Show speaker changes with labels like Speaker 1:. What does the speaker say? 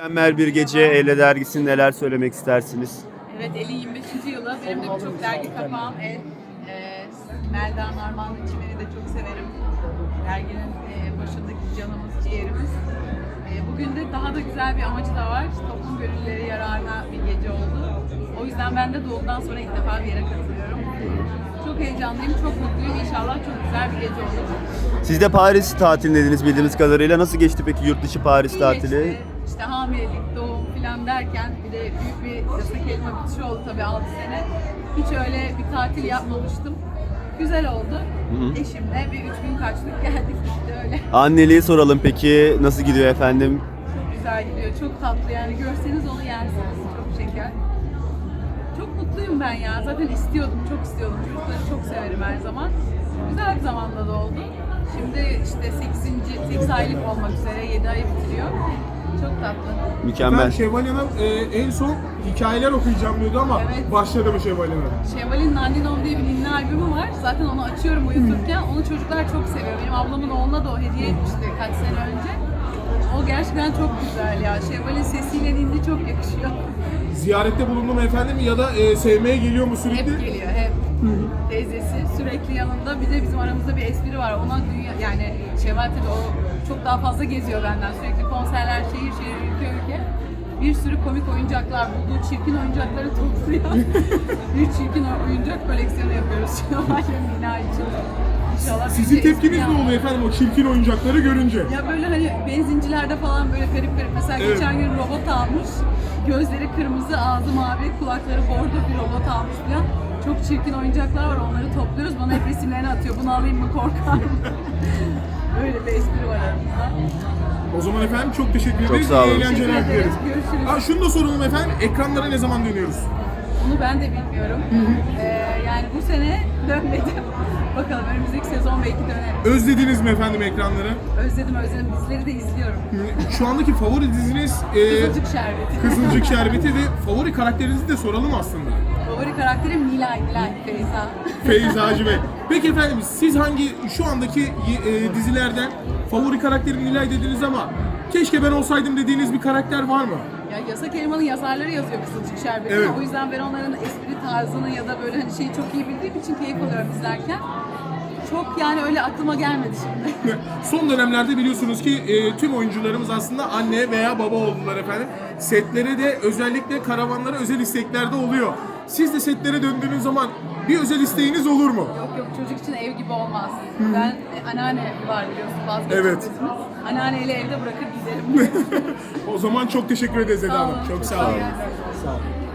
Speaker 1: Mükemmel bir gece. Elle dergisi neler söylemek istersiniz?
Speaker 2: Evet, El'in 25. yılı. Benim de birçok dergi kapağım El. Melda Narmanlı Çimen'i de çok severim. Derginin başındaki canımız, ciğerimiz. Bugün de daha da güzel bir amacı da var. Toplum gönüllüleri yararına bir gece oldu. O yüzden ben de doğumdan sonra ilk defa bir yere katılıyorum. Çok heyecanlıyım, çok mutluyum. İnşallah çok güzel bir gece olur.
Speaker 1: Siz de Paris tatilindeniz bildiğimiz kadarıyla. Nasıl geçti peki yurt dışı Paris
Speaker 2: İyi
Speaker 1: tatili?
Speaker 2: geçti. İşte hamilelik, doğum falan derken bir de büyük bir yasak elma bitişi oldu tabii 6 sene. Hiç öyle bir tatil yapmamıştım. Güzel oldu. Eşimle bir 3 gün kaçtık geldik işte öyle.
Speaker 1: Anneliği soralım peki. Nasıl gidiyor efendim?
Speaker 2: Çok güzel gidiyor, çok tatlı yani görseniz onu yersiniz. Çok şeker. Çok mutluyum ben ya. Zaten istiyordum, çok istiyordum. Çocukları çok severim her zaman. Güzel bir zamanda da oldu. Şimdi işte 8 aylık olmak üzere 7 ayı bitiriyor. Çok tatlı.
Speaker 1: Mükemmel.
Speaker 3: Ben Şevval Hanım en son hikayeler okuyacağım diyordu ama
Speaker 2: Evet.
Speaker 3: başladı mı Şevval Hanım?
Speaker 2: Şevval'in Nandinom diye bir ninni albümü var. Zaten onu açıyorum uyuturken. Onu çocuklar çok seviyor. Benim ablamın oğluna da o hediye etmişti kaç sene önce. O gerçekten çok güzel ya. Şevval'in sesiyle ninni çok yakışıyor.
Speaker 3: Ziyarette bulundum efendim ya da sevmeye geliyor mu sürekli?
Speaker 2: Hep geliyor, hep. Teyzesi sürekli yanında. Bir de bizim aramızda bir espri var. Ona dünya, yani Şevval tabii o çok daha fazla geziyor benden. Sürekli konserler, şehir şehir, ülke ülke. Bir sürü komik oyuncaklar, bulduğu çirkin oyuncakları topluyor. Bir çirkin oyuncak koleksiyonu yapıyoruz Şevval'in bina için. İnşallah
Speaker 3: Sizin
Speaker 2: bir
Speaker 3: tepkiniz
Speaker 2: espri
Speaker 3: ne oluyor efendim o çirkin oyuncakları görünce?
Speaker 2: Ya böyle hani benzincilerde falan böyle garip garip. Mesela
Speaker 3: Evet.
Speaker 2: geçen gün robot almış. Gözleri kırmızı, ağzı mavi, kulakları bordo bir robot almış falan. Çok çirkin oyuncaklar var, onları topluyoruz. Bana hep resimlerini atıyor. Bunu alayım mı, korkar mı? Böyle bir espri var aramızda.
Speaker 3: O zaman efendim çok teşekkür ederiz.
Speaker 1: sağ olun.
Speaker 3: İyi eğlenceler
Speaker 2: Teşekkür ederiz.
Speaker 3: dileriz.
Speaker 2: Görüşürüz.
Speaker 3: Ha, şunu da soralım efendim. Ekranlara ne zaman dönüyoruz?
Speaker 2: Bunu ben de bilmiyorum. Yani bu sene dönmedim. Bakalım önümüzdeki sezon belki dönerim.
Speaker 3: Özlediniz mi efendim ekranları?
Speaker 2: Özledim. Dizileri de izliyorum.
Speaker 3: Şu andaki favori diziniz
Speaker 2: Kızılcık Şerbeti.
Speaker 3: Kızılcık Şerbeti ve favori karakterinizi de soralım aslında.
Speaker 2: Favori karakterim Nilay Feyza.
Speaker 3: Feyzacı Bey. Peki efendim siz hangi şu andaki dizilerden favori karakterim Nilay dediniz ama keşke ben olsaydım dediğiniz bir karakter var mı?
Speaker 2: Ya Yasak Elma'nın yazarları yazıyor Kızılcık Şerbeti.
Speaker 3: Evet.
Speaker 2: O yüzden ben onların espri tarzını ya da böyle hani şeyi çok iyi bildiğim için keyif alıyorum izlerken. Çok yani öyle aklıma gelmedi şimdi.
Speaker 3: Son dönemlerde biliyorsunuz ki tüm oyuncularımız aslında anne veya baba oldular efendim. Setlere de özellikle karavanlara özel istekler de oluyor. Siz de setlere döndüğünüz zaman bir özel isteğiniz olur mu?
Speaker 2: Yok çocuk için ev gibi olmaz. Ben anneanne var biliyorsun vazgeçilmezimiz.
Speaker 3: Evet.
Speaker 2: Anneanneyle evde bırakır giderim.
Speaker 3: O zaman çok teşekkür ederiz Eda
Speaker 2: Sağ
Speaker 3: Hanım.
Speaker 2: olun.
Speaker 3: Çok sağ
Speaker 2: Kolay
Speaker 3: olun.
Speaker 2: gelsin.
Speaker 3: Sağ olun.